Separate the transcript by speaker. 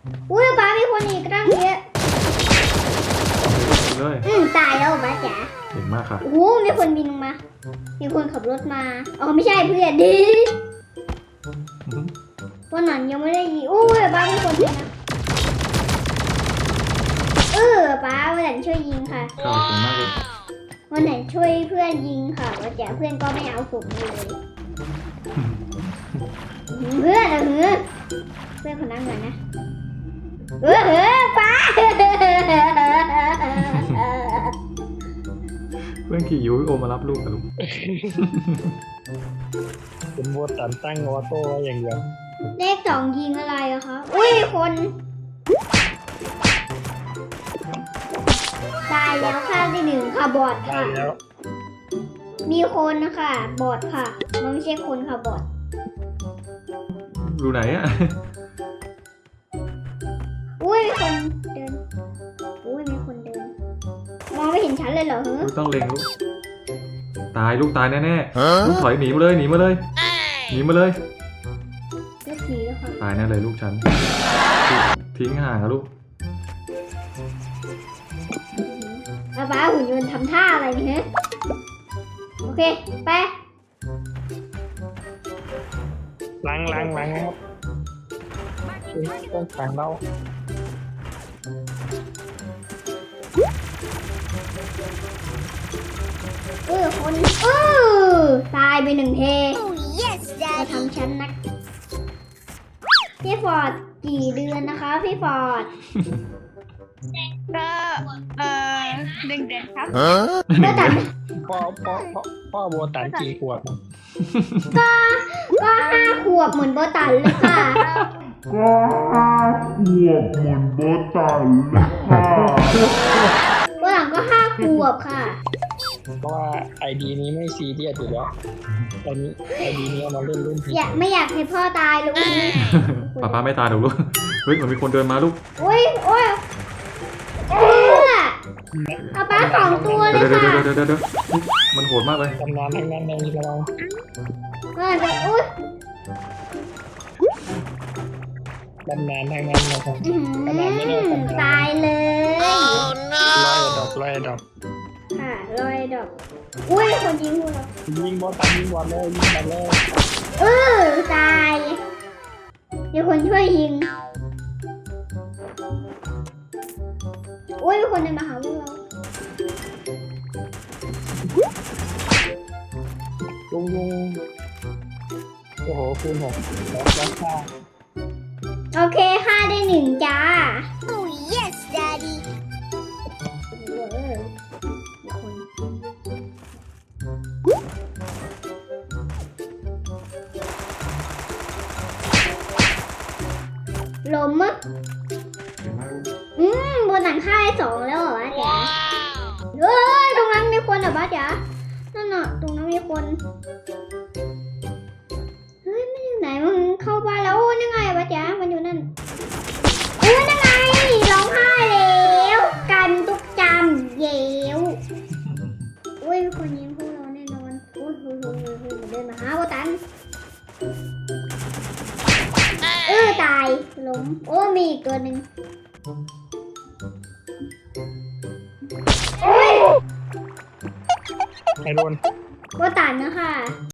Speaker 1: อุ้ยป้ามีคนอีกตั้งเยอะ
Speaker 2: เลย
Speaker 1: ตายแล้วป้าจ๋า
Speaker 2: เก่งมากค่ะ
Speaker 1: โอ้โหมีคนบินลงมามีคนขับรถมาอ๋อไม่ใช่เพื่อนดิวันนั้นยังไม่ได้ยิงอุ้ยป้ามีคนบินนะป้าวันนั้นช่วยยิงค่ะ
Speaker 2: เก่งมากเลย
Speaker 1: วันไหนช่วยเพื่อนยิงค่ะว่าแต่เพื่อนก็ไม่เอาผมเลยเพื่อนเพื่อนคนนั้นเหมือนนะป้า
Speaker 2: เพื่อนขี่ยูโอมารับลูกกับลูก
Speaker 3: เป็นโบตันตั้งออโต้ไว้อย่างเดียว
Speaker 1: เลข2ยิงอะไรอะคะอุ้ยคนตายแล้วค่ะที่1ค่ะบอทค่ะมีคนนะคะบอทค่ะมันไม่ใช่คนค่ะบอท
Speaker 2: อยู่ไหนอะ
Speaker 1: อุ้ยมีคนเดินอุ้ยมีคนเดินมองไม่เห็นฉันเลยเหรอ
Speaker 2: ต้องเล็งลูกตายลูกตายแน่ๆลูกถอยหนีมาเลยหนีมาเลยหนีมาเลย
Speaker 1: ลูกหนีแล้วค่ะ
Speaker 2: ตายแน่เลยลูกฉันทิ้งห่างอะลูก
Speaker 1: ป้าหุ่นยนต์ทำท่าอะไรเนี่ยโอเคไป
Speaker 3: ล้างครับต้องแต่งเรา
Speaker 1: คนตายไป1 เทจะทำฉันนักพี่ฟอร์ดกี่เดือนนะคะพี่ฟอร์ด
Speaker 4: ก็1 เดือนครับ
Speaker 1: ก็ตัด
Speaker 3: พ่อโบตันกี่ขวบ
Speaker 1: ก็5 ขวบเหมือนโบตันเลยค่ะ
Speaker 5: ก็5 ขวบเหมือนโบตันเลยค่ะ
Speaker 1: โบตันก็5 ขวบค่ะ
Speaker 3: เพราะว่าไอดีนี้ไม่ซีเรียสอยู่แล้วตอนนี้ไอดีนี้เอามาเล่นผิด
Speaker 1: ไม่อยากให้พ่อตายลูก
Speaker 2: ป้าไม่ตายหรอกลูกเฮ้ยมันมีคนเดินมาลูก
Speaker 1: โอ้ยป้า2 ตัวเลยค่ะ
Speaker 2: เดี๋ยวมันโหดมากเลย
Speaker 3: ตำนานทั้งนั้นในเรา
Speaker 1: อุ้ย
Speaker 3: ตำนานทั้งนั้นนะครับตำนานไม่ได้
Speaker 1: ตายเลย
Speaker 3: ลอยดอก
Speaker 1: ค่ะลอยดอกอุ้ยคนยิงหัวเรา
Speaker 3: ยิงบอลตันยิงบอลเลย
Speaker 1: ตายมีคนช่วยยิงอุ้ยมีคนเดินมาหาพวกเรา
Speaker 3: ลุงโอ้โหคูณ 6แล้วค่า
Speaker 1: โอเคค่าได้1จ้า
Speaker 4: yes daddy
Speaker 1: ล้มอ่ะบนหลังค่าย2แล้วเหรอวะจ๋าตรงนั้นมีคนเหรอวะจ๋านั่นน่ะตรงนั้นมีคนเฮ้ยมันอยู่ไหนมันเข้าบ้านแล้วนั่นไงวะจ๋ามันอยู่นั่นนั่นไงร้องไห้แล้วกันตุกจำเยวมีคนยิงพวกเราแน่นอนเดินมาหาโบตันตายล้มมีอีกตัวหนึ่ง
Speaker 3: ไอโดน
Speaker 1: โบตันนะคะ